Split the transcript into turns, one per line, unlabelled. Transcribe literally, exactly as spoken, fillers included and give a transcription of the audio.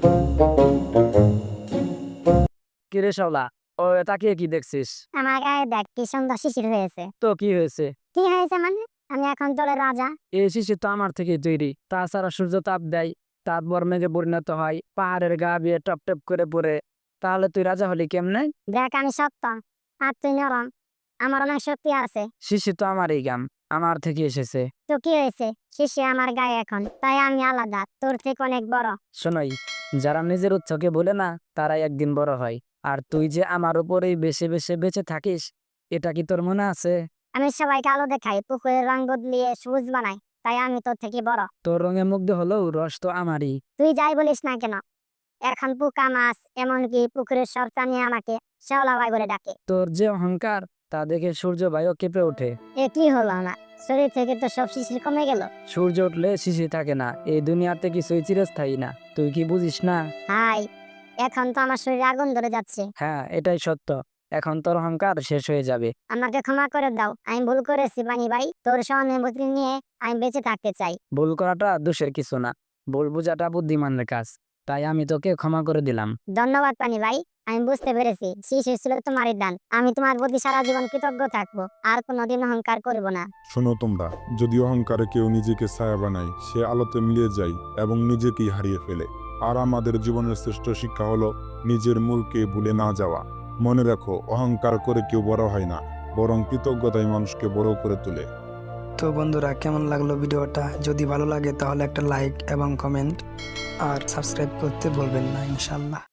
কিরে শাওলা, ও তাকিয়ে কি দেখছিস?
আমার গায়ে দেখ কি সুন্দর শিশির হয়েছে।
তো কি হয়েছে?
কি হয়েছে মানে? আমি এখন তোদের রাজা।
এই শিশির তো আমার থেকে তৈরি। তাছাড়া সূর্য তাপ দেয়, তারপর মেঘে পরিণত হয়, পাহাড়ের গা বেয়ে টপ টপ করে পড়ে। তাহলে তুই রাজা হলি কেমনে?
দেখ আমি শক্ত আর তুই নরম, আমার অনেক শক্তি আছে।
শিশির তো আমারই গাম, আমার থেকে এসেছে।
তো কি হয়েছে? শিশির আমার গায়ে এখন, তাই আমি আলাদা, তোর থেকে অনেক বড়।
শোনাই, যারা নিজের উচ্চকে বলে না, তারাই একদিন বড় হয়। আর তুই যে আমার উপরেই বেশি বেশি বেঁচে থাকিস, এটা কি তোর মনে আছে?
আমি সবাইকে আলো দেখাই, পুকুরের রং বদলিয়ে সবুজ বানাই, তাই আমি তোর থেকে বড়।
তোর রঙে মুগ্ধ হলেও রস তো আমারই।
তুই যাই বলিস না কেন, এখন পোকা মাছ এমনকি পুকুরের সব প্রাণী আমাকে শ্যাওলা ভাই বলে ডাকে।
তোর যে অহংকার, তা দেখে সূর্য ভাইও কেঁপে ওঠে।
এ কি হলো না, শরীর থেকে তো সব শিশির কমে গেল।
সূর্য উঠলে শিশির থাকে না, এই দুনিয়াতে কিছুই চিরস্থায়ী না। তুই কি বুঝিস না?
হাই, এখন তো আমার শরীরে আগুন ধরে যাচ্ছে।
হ্যাঁ, এটাই সত্য। এখন তোর অহংকার শেষ হয়ে যাবে।
আমাকে ক্ষমা করে দাও, আমি ভুল করেছি বানি ভাই, তোর সহানুভূতি নিয়ে আমি বেঁচে থাকতে চাই।
ভুল করাটা দোষের কিছু না, ভুল বোঝাটা বুদ্ধিমানের কাজ। তাই আমি তোকে ক্ষমা করে দিলাম।
ধন্যবাদ পানি ভাই, আমি বুঝতে পেরেছি শিশির ছিল তোমারই দান। আমি তোমার প্রতি সারা জীবন কৃতজ্ঞ থাকবো, আর কোনোদিন অহংকার করব না।
শোনো তোমরা, যদি অহংকারে কেউ নিজেকে ছায়া বানায়, সে আলোতে মিলিয়ে যায় এবং নিজেকেই হারিয়ে ফেলে। আর আমাদের জীবনের শ্রেষ্ঠ শিক্ষা হলো নিজের মূলকে ভুলে না যাওয়া। মনে রাখো, অহংকার করে কেউ বড় হয় না, বরং কৃতজ্ঞতাই মানুষকে বড় করে তোলে।
তো বন্ধুরা, কেমন লাগলো ভিডিওটা? যদি ভালো লাগে তাহলে একটা লাইক এবং কমেন্ট আর সাবস্ক্রাইব করতে ভুলবেন না ইনশাল্লাহ।